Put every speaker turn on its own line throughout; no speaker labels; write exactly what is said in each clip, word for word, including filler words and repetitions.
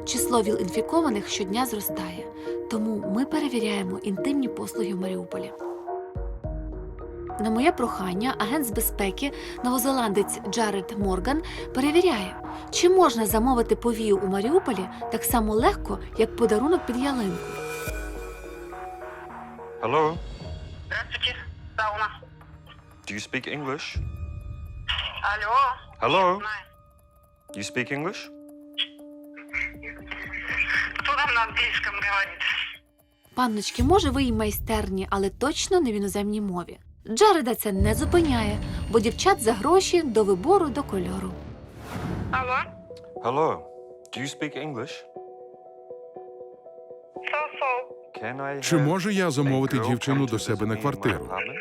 Число ВІЛ-інфікованих щодня зростає, тому ми перевіряємо інтимні послуги в Маріуполі. На моє прохання агент з безпеки, новозеландець Джаред Морган, перевіряє, чи можна замовити повію у Маріуполі так само легко, як подарунок під ялинку.
Hello,
Здравствуйте, сауна.
do you speak English?
Алло.
Hello,
Знаю.
you speak English?
Кто там на английском говорит?
Панночки, може, ви й майстерні, але точно не в іноземній мові. Джареда це не зупиняє, бо дівчат за гроші до вибору, до кольору.
Алло.
Hello, do you speak English?
So-so.
Can I
Чи
have
можу я замовити
a girl
дівчину
come
до
to
себе
visit
на
me in my
квартиру?
apartment?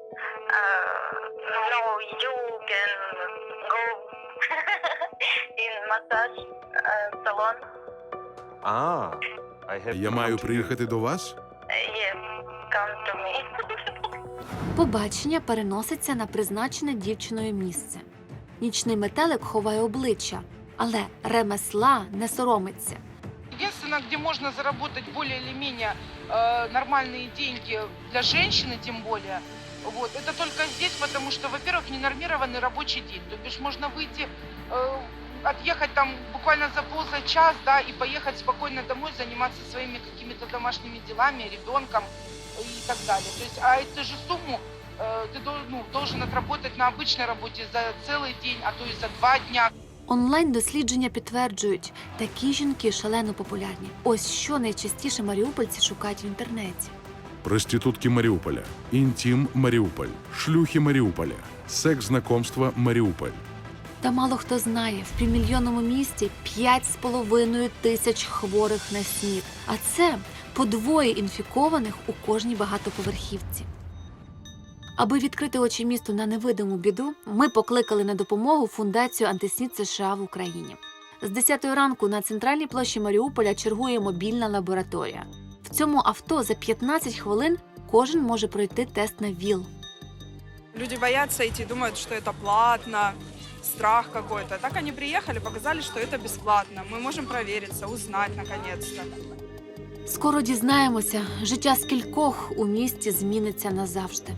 Uh, no, you can go in massage uh, salon.
Ah, I have
Я
to
маю
come to you.
приїхати до вас?
Uh, yes, come to me.
Побачення переноситься на призначене дівчиною місце. Нічний метелик ховає обличчя, але ремесла не соромиться.
Единственное, где можно заработать более или менее э, нормальные деньги для женщины, тем более, вот, это только здесь, потому что, во-первых, ненормированный рабочий день. То бишь можно выйти, э, отъехать там буквально за полчаса, да, и поехать спокойно домой, заниматься своими какими-то домашними делами, ребенком и так далее. То есть, а эту же сумму э, ты дол- ну, должен отработать на обычной работе за целый день, а то и за два дня.
Онлайн-дослідження підтверджують, такі жінки шалено популярні. Ось що найчастіше маріупольці шукають в інтернеті.
Проститутки Маріуполя, інтім Маріуполь, шлюхи Маріуполя, секс-знакомства Маріуполь.
Та мало хто знає, в півмільйонному місті п'ять з половиною тисяч хворих на СНІД. А це по двоє інфікованих у кожній багатоповерхівці. Аби відкрити очі місту на невидиму біду, ми покликали на допомогу Фундацію антиснід США в Україні. З десятої ранку на центральній площі Маріуполя чергує мобільна лабораторія. В цьому авто за п'ятнадцять хвилин кожен може пройти тест на ВІЛ.
Люди боятся идти, думают, что это платно, страх какой-то. Так они приехали, показали, что это бесплатно. Мы можем провериться, узнать наконец-то.
Скоро дізнаємося, життя скількох у місті зміниться назавжди.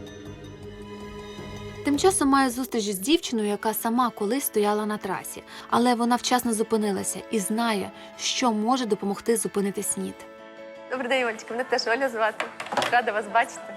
Тим часом маю зустріч з дівчиною, яка сама колись стояла на трасі. Але вона вчасно зупинилася і знає, що може допомогти зупинити СНІД.
Добрий день, Олечка. Мене теж Оля звати. Рада вас бачити.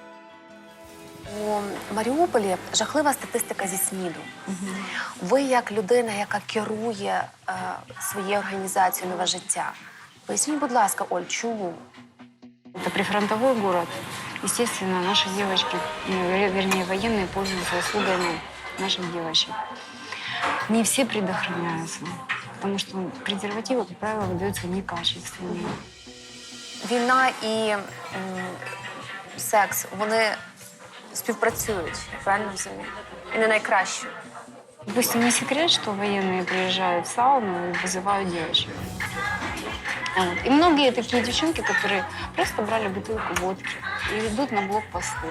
У Маріуполі жахлива статистика зі СНІДу. Угу. Ви як людина, яка керує е, своєю організацією «Нове життя». Поясніть, будь ласка, Оль, чому?
Это прифронтовой город. Естественно, наши девочки, ну, вер- вернее, военные пользуются услугами наших девочек. Не все предохраняются, потому что презервативы, как правило, выдаются некачественные.
Війна і м, секс, вони співпрацюють, правильно розумію? І не найкраще.
Допустим, не секрет, что военные приезжают в сауну и вызывают девочек. Вот. И многие такие девчонки, которые просто брали бутылку водки и идут на блокпосты.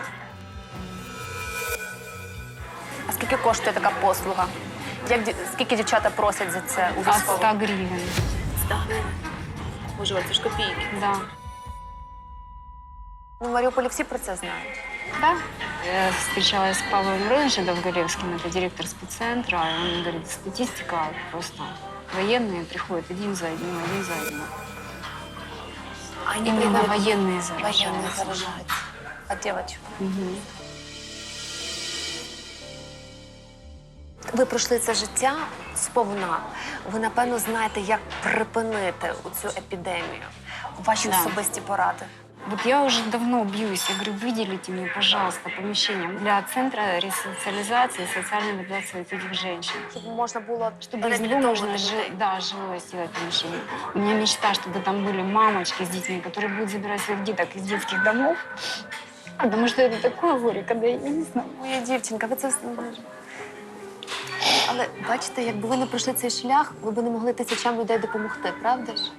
А скільки коштує така послуга? Як, ді- скільки дівчата просять за це у
От
військовому?
ста гривен.
сто гривень. Боже, Оль, це ж копійки.
Да.
Ну, в Маріуполі всі про це знають.
Да. Я встречалась с Павлом Мироновичем Довголевским, это директор спеццентра. И он говорит, статистика просто. Военные приходят один за одним, один за одним.
А
Именно
приходять-
военные
Воєнні
заражаются.
заражаються. А дівчатки?
Мгм.
Ви пройшли це життя сповна. Ви, напевно, знаєте, як припинити цю епідемію. Ваші
Да.
особисті поради.
Вот я уже давно бьюсь. Я говорю, выделите мне, пожалуйста, помещение для центра ресоциализации и социальной адаптации этих женщин.
Щоб можна було
Чтобы из него можно
реабілітовувати
жи-
людей.
да, жилое сделать помещение. У меня мечта, чтобы там были мамочки с детьми, которые будут забирать своих деток из детских домов. Потому что это такое горе, когда я не знаю.
Моя дівчинка, ви це все не можете. Але бачите, якби ви не пройшли цей шлях, ви б не могли тисячам людей допомогти, правда ж?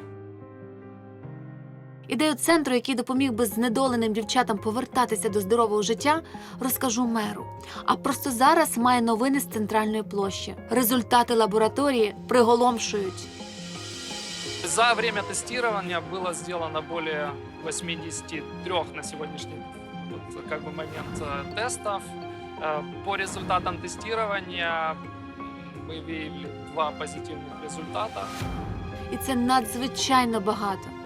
Ідею центру, який допоміг би знедоленим дівчатам повертатися до здорового життя, розкажу меру. А просто зараз має новини з центральної площі. Результати лабораторії приголомшують.
За время тестирования было сделано более восьмидесяти трёх на сегодняшний вот, как бы, момент э, тестов. Э, По результатам тестирования мы выявили два позитивных результата.
І це надзвичайно багато.